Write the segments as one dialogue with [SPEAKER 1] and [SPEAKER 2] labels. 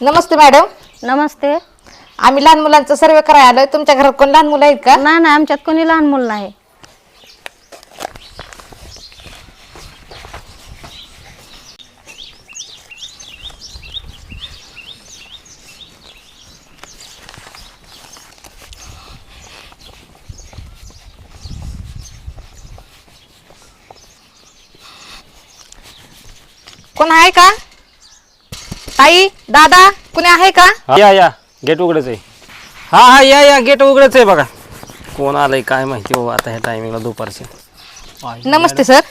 [SPEAKER 1] नमस्ते madam.
[SPEAKER 2] नमस्ते.
[SPEAKER 1] आम्ही लहान मुलांचा सर्वे करायला आलोय. तुमच्या घरात कोण लहान मुलं आहेत का?
[SPEAKER 2] नाही आमच्यात कोणी लहान मुलं नाही.
[SPEAKER 1] कोण आहे का? ताई, दादा, कोणी आहे का?
[SPEAKER 3] या गेट उघडच आहे. हा या गेट उघडच आहे बघा. कोण आलंय काय माहिती बाबा आता ह्या टायमिंगला दुपारचे.
[SPEAKER 1] नमस्ते सर.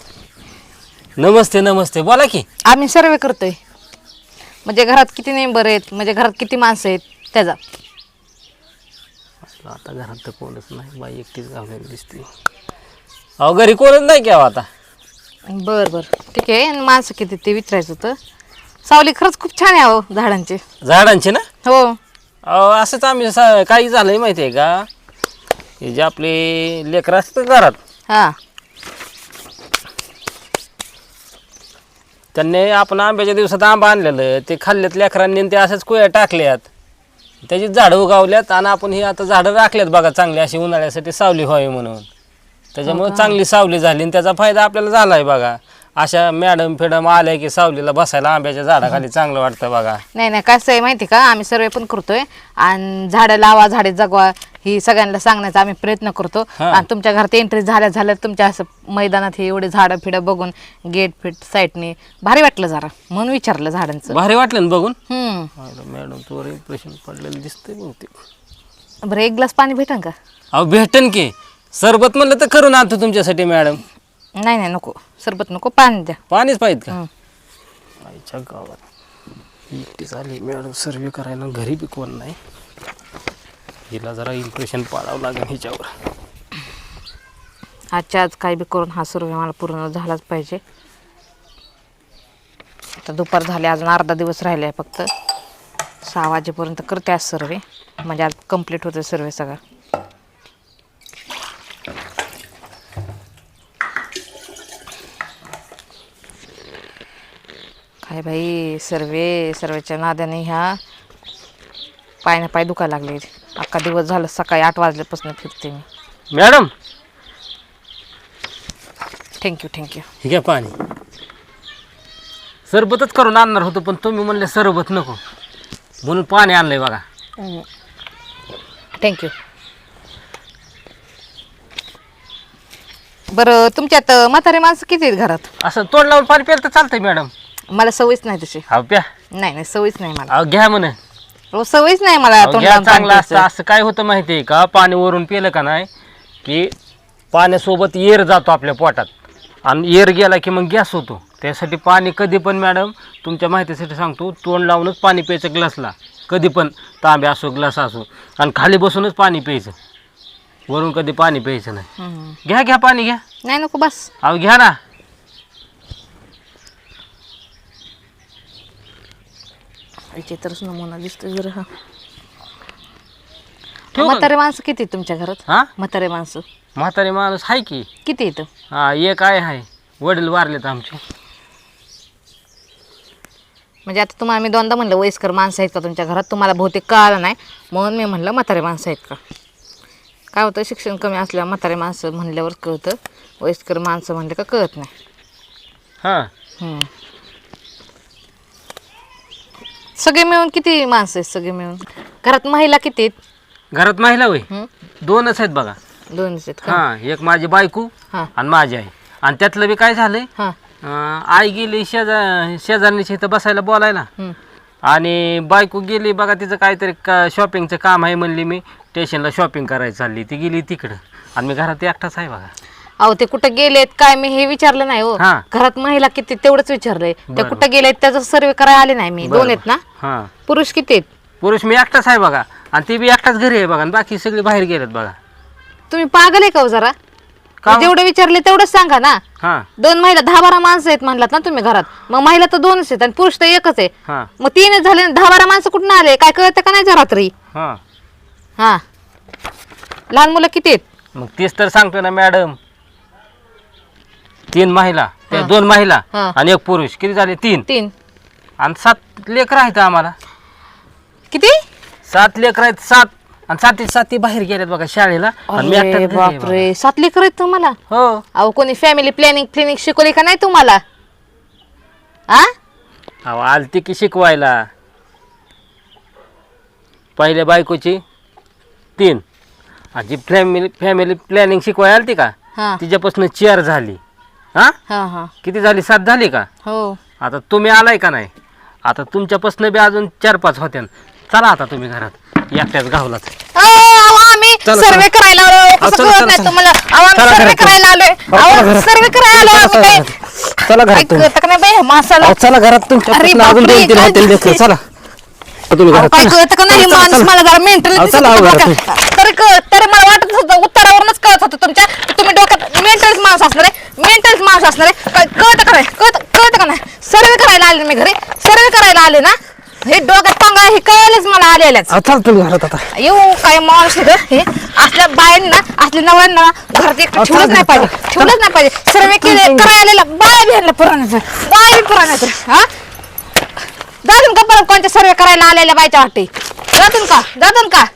[SPEAKER 3] नमस्ते बोला की.
[SPEAKER 1] आम्ही सर्वे करतोय. म्हणजे घरात किती मेंबर आहेत, म्हणजे घरात किती माणसं आहेत त्याचा.
[SPEAKER 3] आता घरात तर कोणच नाही, बाई एकटीच गावलेली दिसते. अहो घरी कोणच नाही की आता.
[SPEAKER 1] बर ठीक आहे. आणि माणसं किती ते विचारायचं होतं. सावली खरंच खूप छान आहे अहो झाडांची.
[SPEAKER 3] झाडांचे ना?
[SPEAKER 1] हो.
[SPEAKER 3] अहो असंच आम्ही काही झालंय माहिती आहे का, हे जे आपले लेकरं असतात घरात,
[SPEAKER 1] हा.
[SPEAKER 3] त्यांनी आपण आंब्याच्या दिवसात आंबा आणलेलं ते खाल्ल्यात लेकरांनी आणि ते असंच कुया टाकल्यात, त्याची झाडं उगावल्यात आणि आपण ही आता झाडं राखल्यात बघा चांगली अशी उन्हाळ्यासाठी सावली व्हावी म्हणून. त्याच्यामुळे चांगली सावली झाली आणि त्याचा फायदा आपल्याला झाला आहे बघा. अशा मॅडम आल्या की सावलीला बसायला आंब्याच्या झाडाखाली चांगलं वाटतं बघा.
[SPEAKER 1] नाही कसं आहे माहिती का, आम्ही सर्वे पण करतोय आणि झाडं लावा, झाडे जगवा ही सगळ्यांना सांगण्याचा आम्ही प्रयत्न करतो. आणि तुमच्या घरात एंट्री झाल्या तुमच्या असं मैदानात हे एवढे झाडं फिडं बघून गेट फिट साईडने भारी वाटलं जरा, म्हणून विचारलं झाडांचं.
[SPEAKER 3] भारी वाटलं ना बघून.
[SPEAKER 1] मॅडम
[SPEAKER 3] तुवर इम्प्रेशन पडलेलं दिसतंय बहुतेक.
[SPEAKER 1] बरं, एक ग्लास पाणी भेटेल का?
[SPEAKER 3] अहो भेटन की. सरबत म्हणलं तर करून आणतो तुमच्यासाठी मॅडम.
[SPEAKER 1] नाही नको, सरबत नको, पाणी द्या.
[SPEAKER 3] पाणीच पाहिजे का? आईच्या गावात एकटीच आली मॅडम सर्वे करायला, घरी बी कोण नाही. हिला जरा इम्प्रेशन पाडावं लागेल हिच्यावर.
[SPEAKER 1] आजच्या आज काही बी करून हा सर्वे मला पूर्ण झालाच पाहिजे. आता दुपार झाले, अजून अर्धा दिवस राहिले आहे फक्त. 6 वाजेपर्यंत करते आज सर्वे, म्हणजे आज कंप्लीट होते सर्वे सगळा. काय बाई, सर्वेच्या नादाने ह्या पाय दुखायला लागले. अख्खा दिवस झालं, सकाळी 8 वाजल्यापासून फिरते मी.
[SPEAKER 3] Madam
[SPEAKER 1] thank you.
[SPEAKER 3] हे घ्या पाणी. सरबतच करून आणणार होतो पण तुम्ही म्हणले सरबत नको म्हणून पाणी आणलंय बघा.
[SPEAKER 1] थँक्यू. बरं, तुमच्यात म्हातारे माणसं किती आहेत घरात?
[SPEAKER 3] असं तोंड लावून पाणी प्यायला तर चालतंय मॅडम.
[SPEAKER 1] मला सवयच नाही तशी.
[SPEAKER 3] अहो प्या.
[SPEAKER 1] नाही सवयच नाही मला.
[SPEAKER 3] अहो घ्या म्हणे.
[SPEAKER 1] सवयच नाही मला तोंड
[SPEAKER 3] घ्या,
[SPEAKER 1] लावून पाणी
[SPEAKER 3] चांगलं असतं.
[SPEAKER 1] प्यायचं.
[SPEAKER 3] असं काय होतं माहिती आहे का, पाणी वरून पिलं का नाही की पाण्यासोबत येर जातो आपल्या पोटात आणि येर गेला की मग गॅस होतो. त्यासाठी पाणी कधी पण मॅडम तुमच्या माहितीसाठी सांगतो, तोंड लावूनच पाणी प्यायचं ग्लासला. कधी पण तांबे असो ग्लास असो, आणि खाली बसूनच पाणी प्यायचं, वरून कधी पाणी प्यायचं नाही. घ्या पाणी घ्या.
[SPEAKER 1] नाही नको बस.
[SPEAKER 3] अहो घ्या ना.
[SPEAKER 1] विचित्रच नमुना दिसतोय जरा हा.
[SPEAKER 3] ठेवू का?
[SPEAKER 1] म्हातारे माणसं किती आहेत तुमच्या घरात?
[SPEAKER 3] हा,
[SPEAKER 1] म्हातारे माणसं
[SPEAKER 3] म्हातारे माणूस आहे की.
[SPEAKER 1] किती येतं?
[SPEAKER 3] हा, एक आहे. वडील वारलेत आमचे.
[SPEAKER 1] म्हणजे आता तुम्हाला मी दोनदा म्हणलं वयस्कर माणसं आहेत का तुमच्या घरात, तुम्हाला बहुतेक कळालं नाही म्हणून मी म्हणलं म्हातारे माणसं आहेत का. काय होतं, शिक्षण कमी असल्यावर म्हातारे माणसं म्हणल्यावर कळतं, वयस्कर माणसं म्हणले का कळत नाही.
[SPEAKER 3] हां,
[SPEAKER 1] सगळे मिळून किती माणसं आहेत? सगळे मिळून घरात महिला किती आहेत?
[SPEAKER 3] घरात महिला होय 2च आहेत बघा.
[SPEAKER 1] 2च आहेत का?
[SPEAKER 3] हा, एक माझी बायको
[SPEAKER 1] हां
[SPEAKER 3] आणि माझी आई. आणि त्यातलं बी काय झालंय,
[SPEAKER 1] हां.
[SPEAKER 3] आई गेली शेजारणीच्या इथं बसायला बोलायला, आणि बायको गेली बघा तिचं काहीतरी शॉपिंगचं काम आहे म्हणली, मी स्टेशनला शॉपिंग करायला चालली, ती गेली तिकडं आणि मी घरात एकटाच आहे बघा.
[SPEAKER 1] अहो ते कुठं गेलेत काय मी हे विचारलं नाही हो.
[SPEAKER 3] हां.
[SPEAKER 1] घरात महिला किती तेवढंच विचारलंय. ते कुठं गेलेत त्याचा सर्वे करायला आले नाही मी. 2 आहेत ना?
[SPEAKER 3] हां,
[SPEAKER 1] पुरुष किती आहेत?
[SPEAKER 3] पुरुष मी एकटाच आहे बघा, आणि ती बी एकटाच घरी आहे बघा, आणि बाकी सगळी बाहेर गेलेत बघा.
[SPEAKER 1] तुम्ही पागल आहे का हो जरा? जेवढं विचारले तेवढंच सांगा ना.
[SPEAKER 3] हां
[SPEAKER 1] 2 महिला 10-12 माणसं आहेत म्हणलात ना तुम्ही घरात, मग महिला तर 2च आहेत आणि पुरुष तर 1च आहे.
[SPEAKER 3] हां
[SPEAKER 1] मग 3च झाले, 10-12 माणसं कुठून आले काय कळतं का नाही जरा रात्री?
[SPEAKER 3] हां,
[SPEAKER 1] हा, लहान मुलं किती आहेत?
[SPEAKER 3] मग तेच तर सांगतो ना मॅडम. 3 महिला, त्या 2 महिला
[SPEAKER 1] हां.
[SPEAKER 3] आणि 1 पुरुष, किती झाले? 3.
[SPEAKER 1] 3.
[SPEAKER 3] आणि 7 लेकरं आहेत आम्हाला.
[SPEAKER 1] किती
[SPEAKER 3] 7 लेकर आहेत 7 आणि 7 बाहेर गेलेत बघा शाळेला आणि मी
[SPEAKER 1] अरे
[SPEAKER 3] एकटाच घरी आहे
[SPEAKER 1] बापरे 7 लेकर आहेत तुम्हाला
[SPEAKER 3] बघा. हो
[SPEAKER 1] अहो कोणी फॅमिली प्लॅनिंग शिकवली का नाही तुम्हाला आ
[SPEAKER 3] अहो आलती की शिकवायला पहिल्या बायकोची 3 आणि जी फॅमिली प्लॅनिंग शिकवायला आलती का
[SPEAKER 1] हा
[SPEAKER 3] तिच्यापासून 4 झाली. हा
[SPEAKER 1] हा हा
[SPEAKER 3] किती झाली 7 झाली का.
[SPEAKER 1] हो
[SPEAKER 3] आता तुम्ही आलाय का नाही आता तुमच्यापासून बी अजून 4-5 होत्या. चला आता तुम्ही घरात एकट्याच गावलाच.
[SPEAKER 1] अहो, आम्ही
[SPEAKER 3] चला,
[SPEAKER 1] सर्वे करायला आलो कसं
[SPEAKER 3] चला,
[SPEAKER 1] कळत
[SPEAKER 3] चला,
[SPEAKER 1] नाही
[SPEAKER 3] चला.
[SPEAKER 1] तुम्हाला अहो, आम्ही
[SPEAKER 3] चला
[SPEAKER 1] सर्वे
[SPEAKER 3] घरात.
[SPEAKER 1] करायला आलोय अहो सर्वे करायला आलो आम्ही काय
[SPEAKER 3] चला
[SPEAKER 1] काय
[SPEAKER 3] घरात
[SPEAKER 1] कळतं का नाही बाई माणसाला
[SPEAKER 3] चला घरात
[SPEAKER 1] अरे
[SPEAKER 3] तुमच्यापासून अजून
[SPEAKER 1] बापरे,
[SPEAKER 3] 2-3
[SPEAKER 1] काय
[SPEAKER 3] होतील लेकरं. चला तुम्ही
[SPEAKER 1] अहो,
[SPEAKER 3] घरात
[SPEAKER 1] काय
[SPEAKER 3] चला.
[SPEAKER 1] कळतं का नाही
[SPEAKER 3] चला,
[SPEAKER 1] माणूस
[SPEAKER 3] चला.
[SPEAKER 1] मला जरा मेंटल
[SPEAKER 3] अहो, चला, अहो,
[SPEAKER 1] तरी मला वाटत होतं उत्तरावरूनच कळत होतं तुमच्या की तुम्ही डोक्यात मेंटल माणूस असणार आहे मेंटल माणूस असणार आहे काय कळतं का नाही कळतं का नाही सर्वे करायला आले मी घरी सर्वे करायला आले ना हे डोक्यात पंगा हे कळलंच मला आलेल्याच
[SPEAKER 3] अहो, चला तुम्ही घरात आता.
[SPEAKER 1] येऊ काय माणूस आहे हे असल्या बायांना असल्या नवऱ्यांना घरात एक ठेवलंच नाही पाहिजे सर्वे केले करायला आलेला बाय बी आणलं पुराणाचं बाय बी पुराणाचं हा जातून का परत कोणत्या सर्वे करायला आलेल्या बायच्या वाटे जातून का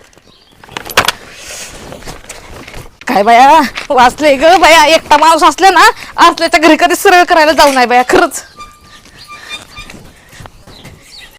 [SPEAKER 1] काय बाया वाचले ग बाया एकटा माणूस असले ना असल्याच्या घरी कधी सर्वे करायला जाऊ नाही बाया खरंच